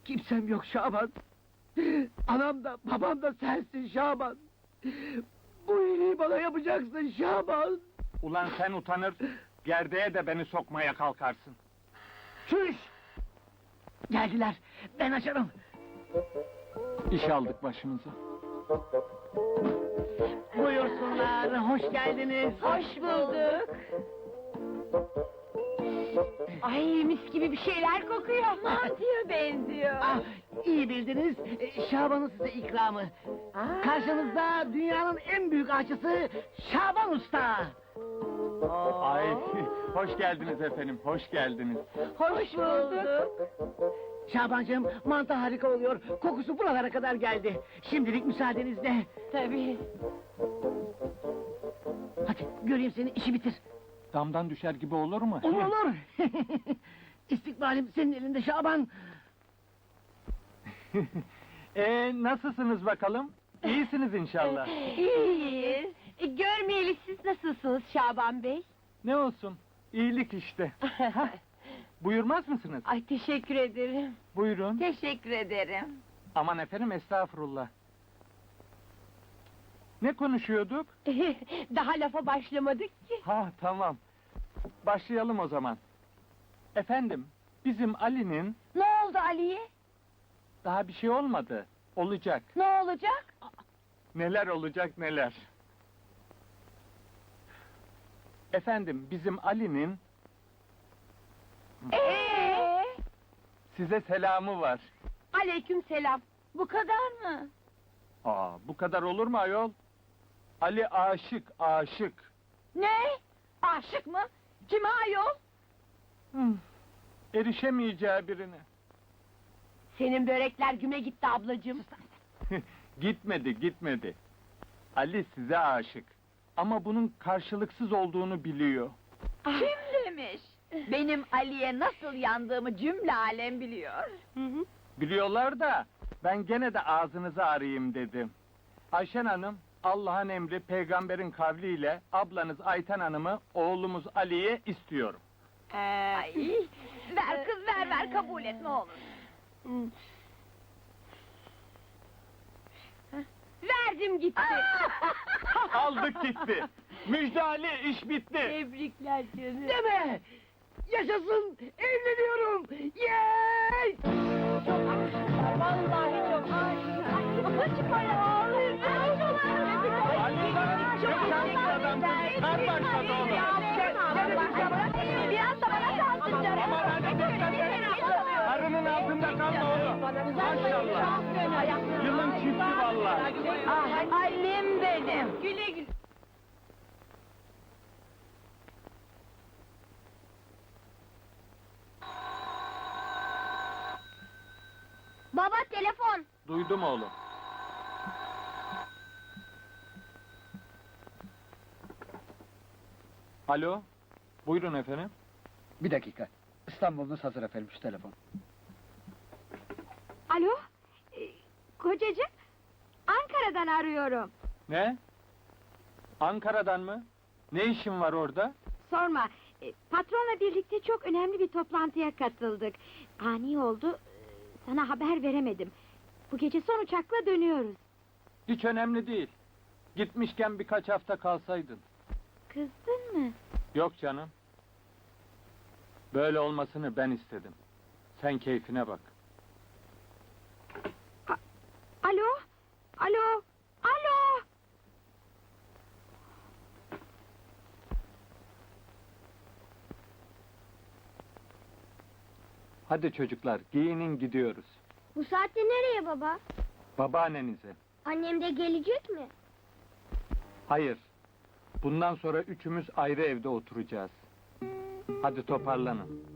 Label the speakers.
Speaker 1: Kimsem yok Şaban. Anam da babam da sensin Şaban. Bu iyiliği bana yapacaksın Şaban.
Speaker 2: Ulan sen utanır, gerdeğe de beni sokmaya kalkarsın.
Speaker 1: Çüş! Geldiler, ben açarım.
Speaker 2: İş aldık başımıza.
Speaker 1: Buyursunlar, hoş geldiniz.
Speaker 3: Hoş bulduk. Ay mis gibi bir şeyler kokuyor. Mantıya benziyor.
Speaker 1: Ah, iyi bildiniz, Şaban'ın size ikramı.
Speaker 3: Aa.
Speaker 1: Karşınızda dünyanın en büyük aşçısı Şaban Usta.
Speaker 2: Ay, hoş geldiniz efendim, hoş geldiniz.
Speaker 3: Hoş bulduk.
Speaker 1: Şabancığım, mantı harika oluyor. Kokusu buralara kadar geldi. Şimdilik müsaadenizle.
Speaker 3: Tabii.
Speaker 1: Hadi göreyim seni, işi bitir.
Speaker 2: Damdan düşer gibi olur mu?
Speaker 1: Olur olur. İstikbalim senin elinde Şaban.
Speaker 2: Nasılsınız bakalım? İyisiniz inşallah.
Speaker 3: İyiyiz. Görmeyeli siz nasılsınız Şaban Bey?
Speaker 2: Ne olsun, iyilik işte. Buyurmaz mısınız?
Speaker 3: Ay teşekkür ederim.
Speaker 2: Buyurun.
Speaker 3: Teşekkür ederim.
Speaker 2: Aman efendim, estağfurullah. Ne konuşuyorduk?
Speaker 3: Daha lafa başlamadık ki.
Speaker 2: Ha, tamam. Başlayalım o zaman. Efendim, bizim Ali'nin
Speaker 3: Ne oldu Ali'ye?
Speaker 2: daha bir şey olmadı. Olacak.
Speaker 3: Ne olacak?
Speaker 2: Neler olacak neler. Efendim, bizim Ali'nin
Speaker 3: Ee?
Speaker 2: size selamı var.
Speaker 3: Aleyküm selam. Bu kadar mı?
Speaker 2: Bu kadar olur mu ayol? Ali aşık, aşık.
Speaker 3: Ne? Aşık mı? Kime ayol?
Speaker 2: Erişemeyeceği birine.
Speaker 3: Senin börekler güme gitti ablacığım.
Speaker 2: Gitmedi, gitmedi. Ali size aşık. Ama bunun karşılıksız olduğunu biliyor.
Speaker 3: Kim demiş? Benim Ali'ye nasıl yandığımı cümle alem biliyor.
Speaker 2: Biliyorlar da, ben gene de ağzınızı arayayım dedim. Ayşen Hanım, Allah'ın emri, peygamberin kavliyle ablanız Ayten Hanım'ı, oğlumuz Ali'ye istiyorum.
Speaker 3: Ver kız ver kabul et ne olur. Verdim gitti.
Speaker 2: Aldık gitti. Müjde Ali, iş bitti.
Speaker 3: Tebrikler canım.
Speaker 1: Deme! Yaşasın, evleniyorum! Yey!
Speaker 3: Çok aşıklar, vallahi çok aşıklar. Açık ayağı ağlıyor.
Speaker 2: Ali lan, çok şanslı adam. Kar başladı oğlum.
Speaker 3: Biraz da bana kalsın canım.
Speaker 2: Aman hadi dikkat et. Karının altında kalma oğlum. Maşallah. Yılın çifti vallahi.
Speaker 3: Ah, Ali'm benim. Güle güle.
Speaker 4: Baba telefon.
Speaker 2: Duydum oğlum. Alo, buyurun efendim.
Speaker 1: Bir dakika, İstanbul'unuz hazır efendim, şu telefon.
Speaker 4: Alo? Kocacığım, Ankara'dan arıyorum.
Speaker 2: Ne? Ankara'dan mı? Ne işin var orada?
Speaker 4: Sorma, patronla birlikte çok önemli bir toplantıya katıldık. Ani oldu, sana haber veremedim. Bu gece son uçakla dönüyoruz.
Speaker 2: Hiç önemli değil. Gitmişken birkaç hafta kalsaydın.
Speaker 4: Kızdın mı?
Speaker 2: Yok canım. Böyle olmasını ben istedim. Sen keyfine bak.
Speaker 4: Alo? Alo? Alo?
Speaker 2: Hadi çocuklar, giyinin gidiyoruz.
Speaker 4: Bu saatte nereye baba?
Speaker 2: Babaannenize.
Speaker 4: Annem de gelecek mi?
Speaker 2: Hayır. Bundan sonra üçümüz ayrı evde oturacağız. Hadi toparlanın.